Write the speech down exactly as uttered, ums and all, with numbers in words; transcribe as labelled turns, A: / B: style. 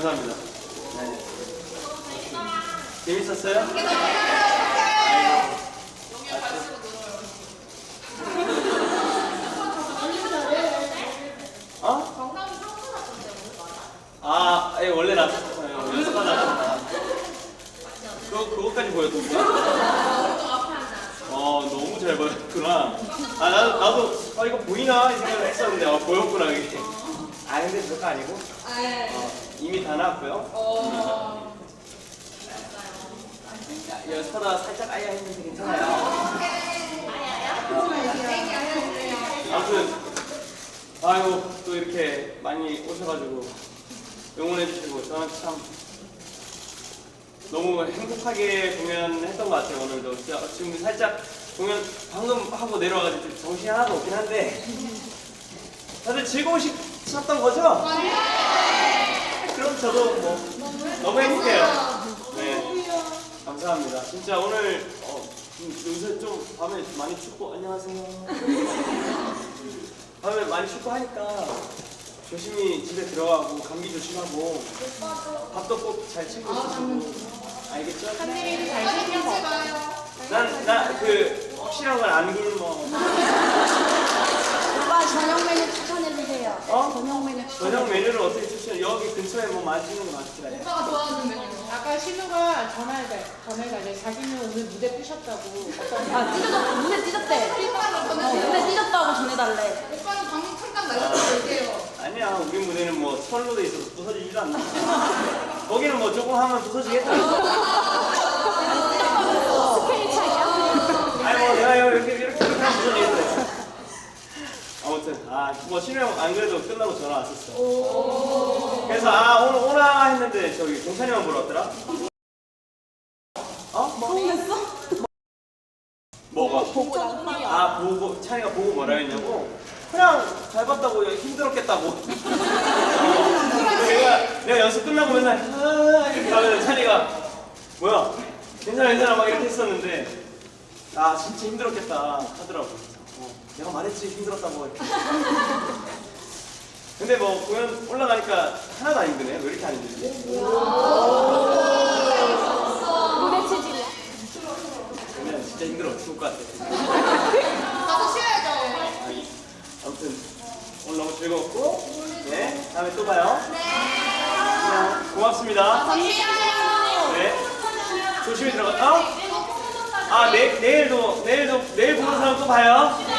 A: 감사합니다. 네. 재밌었어요? 아이고. 어?
B: 정답이 상처 났던데 오늘 맞아?
A: 아, 예, 원래 나왔어요. 연습하다 나왔다. 그거, 그거까지 보였던 거야?
B: 오른쪽 앞에 하나.
A: 어, 너무 잘 보였구나. 아, 나도, 나도, 아, 이거 보이나? 이 생각을 했었는데, 아, 보였구나, 이게. 아, 근데 별거 아니고.
B: 아, 예.
A: 어, 이미 다 나왔고요.
B: 어.
A: 야, 연습하다가 살짝 아야 했는데 괜찮아요. 아무튼, 아이고, 또 이렇게 많이 오셔가지고 응원해주시고, 저는 참 너무 행복하게 공연했던 것 같아요, 오늘도. 진짜 지금 살짝 공연 방금 하고 내려와가지고 좀 정신이 하나도 없긴 한데, 다들 즐거우셨던 거죠? 그럼 저도 뭐 너무 행복해요. 네, 감사합니다. 진짜 오늘 어, 요새 좀 밤에 많이 춥고 안녕하세요. 밤에 많이 춥고 하니까 조심히 집에 들어가고 감기 조심하고 밥도 꼭 잘 챙겨 드시고 알겠죠?
B: 한님이 잘생겨서.
A: 난나그 확실한 건 안 굶어.
C: 오빠 저녁 메뉴 추천해주세요.
A: 어?
C: 저녁 메뉴 추천.
A: 저녁 메뉴를 어떻게 추천해? 여기 근처에 뭐 맛있는 거 많더라.
B: 오빠가 좋아하는 메뉴.
D: 아까 신우가 전화해가 전화가 이제 자기는 오늘 무대 뜨셨다고.
C: 아 찢어졌 눈에 찢었대.
B: 오빠는
C: 어,
B: 전해주세요.
C: 눈에 찢었다고 전해달래.
B: 오빠는 방금 잠깐 날려서 올게요.
A: 아니야, 우리 무대는 뭐 철로 돼 있어서 부서지지도 않나. 거기는 뭐 조금 하면 부서지겠다.
C: 스케일 차이야?
A: 아니 뭐 내가 이렇게 이렇게 이렇게 하면 부서지겠다. 아무튼 아뭐 신우 형 안 그래도 끝나고 전화 왔었어. 그래서 아 오늘 오나 했는데 저기 동찬이만 보러 왔더라. 어?
C: 서운했어?
A: 뭐가?
C: 보고 나서
A: 아 보고 찬이가 보고 뭐라 했냐고? 그냥 잘 봤다고 힘들었겠다고. 어, 내가 내가 연습 끝나고 맨날 아 이렇게 하면 찬이가 뭐야 괜찮아 괜찮아 막 이렇게 했었는데 아 진짜 힘들었겠다 하더라고. 어, 내가 말했지 힘들었다고 이렇게. 근데 뭐 공연 올라가니까 하나도 안 힘드네. 왜 이렇게 안 힘들지?
C: 눈에 치질이야.
A: 그러면 진짜 힘들어 죽을 것 같아.
B: 가서 쉬어야죠.
A: 아무튼 오늘 너무 즐거웠고 네 다음에 또 봐요. 네. 고맙습니다.
B: 잠시만요.
A: 네. 조심히 들어가. 어? 아 내, 내일도 내일도 내일 보는 사람 또 봐요.